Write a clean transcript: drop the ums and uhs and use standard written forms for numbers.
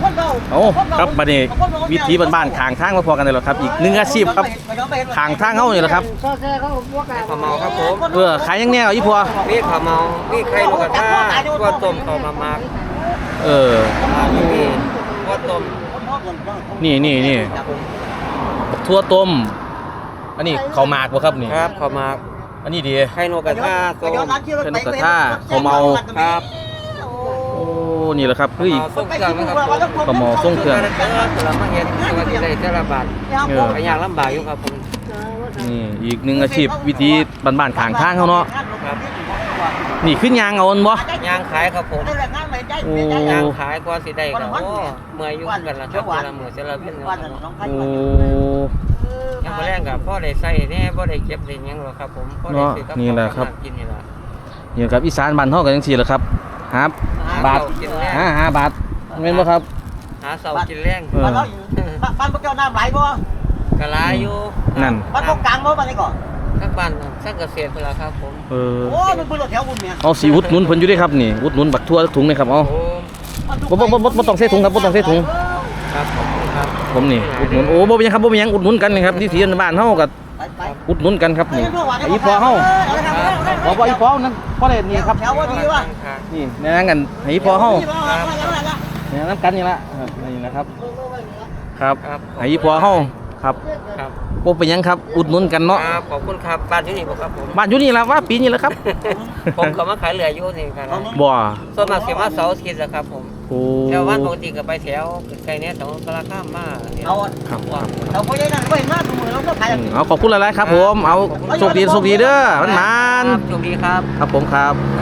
โอ้ครับบัดนี้วิถีบ้านๆข้างทางมาพอกันเลยหรอครับอีกหนึ่งอาชีพครับข้างทางเฮานี่แหละครับข้าวเมาครับผมขายยังแนวอีพัวมีข้าวเมามีไข่ลูกกระทะตัวต้มข้าวมามาก มีตัวต้มนี่ทั่วต้มอันนี้ข้าวหมากบ่ครับนี่ครับข้าวมากอันนี้ดีไข่นกกระทะต้มเป็นนกกระทาข้าวเมาครับโอ้นี่แหละครับคืออีกส่งเครื่องนะครับข้าวเมาส่งเครื่องเรามาเห็นตัวที่ได้แต่ละบาท ไปยากลำบากอยู่ครับผมนี่อีกหนึ่งอาชีพวิธีบ้านๆข้างทางเขาเนาะครับนี่ขึ้นยางเอาอันบ่ยางขายครับผมโอ้ยางขายกว่าสิได้ก็โอ้เมื่อยอยู่กันละครับเวลามื้อเสร็จแล้วเป็นครับโอ้ยังบ่แรงกับพ่อได้ใส่แน่บ่ได้เก็บได้หยังหรอกครับผมพ่อได้ซื้อกับนี่แหละครับกินนี่ล่ะอยู่กับอีสานบ้านเฮากันจังซี่แหละครับครับบาทกินแรงหาบาทแม่นบ่ครับหาเสากินแรงเออบ้านพวกเจ้าน้ำไหลบ่กะลายอยู่นั่นบ้านพวกกลางบ่บ้านนี้ก่อนทั้งบ้านทั้งเกษตรพุ่นล่ะครับผมเออโอ้มันเป็นรถแถวบุญเนี่ยเอาสิอุดหนุนเพิ่นอยู่เด้ครับนี่อุดหนุนบักทั่วถุงนี่ครับเอาโอ้บ่ต้องใส่ถุงครับบ่ต้องใส่ถุงครับขอบคุณครับผมนี่อุดหนุนโอ้บ่เป็นหยังครับบ่เป็นหยังอุดหนุนกันนี่ครับที่ที่บ้านเฮาก็อุดหนุนกันครับนี่อีพอเฮาบ่อีพอนั่นพอได้นี่ครับแถวว่าดีว่ะนี่แนะนำกันให้อีพอเฮาแนะนำกันนี่ละนี่นะครับ ครับครับให้อีพอเฮาครับครับบ่เป็นหยังครับอุดหนุนกันเนาะครับขอบคุณครับบ้านที่นี่บ่ครับผมบ้านอยู่นี่ล่ะว่าปีนี้แหละครับผมก็มาขายเรืออยู่นี่ครับบ่ส่วนมากสิมาเสาร์อาทิตย์นะครับผมโอ้แต่วันปกติก็ไปแถวไกลเนี่ยแถวกลาข้ามมาเนี่ยเอาครับครับเราไปได้นั่นไปมาตัวมือเราก็ขายเอาขอบคุณหลายๆครับผมเอาโชคดีเด้อมันครับโชคดีครับครับผมครับค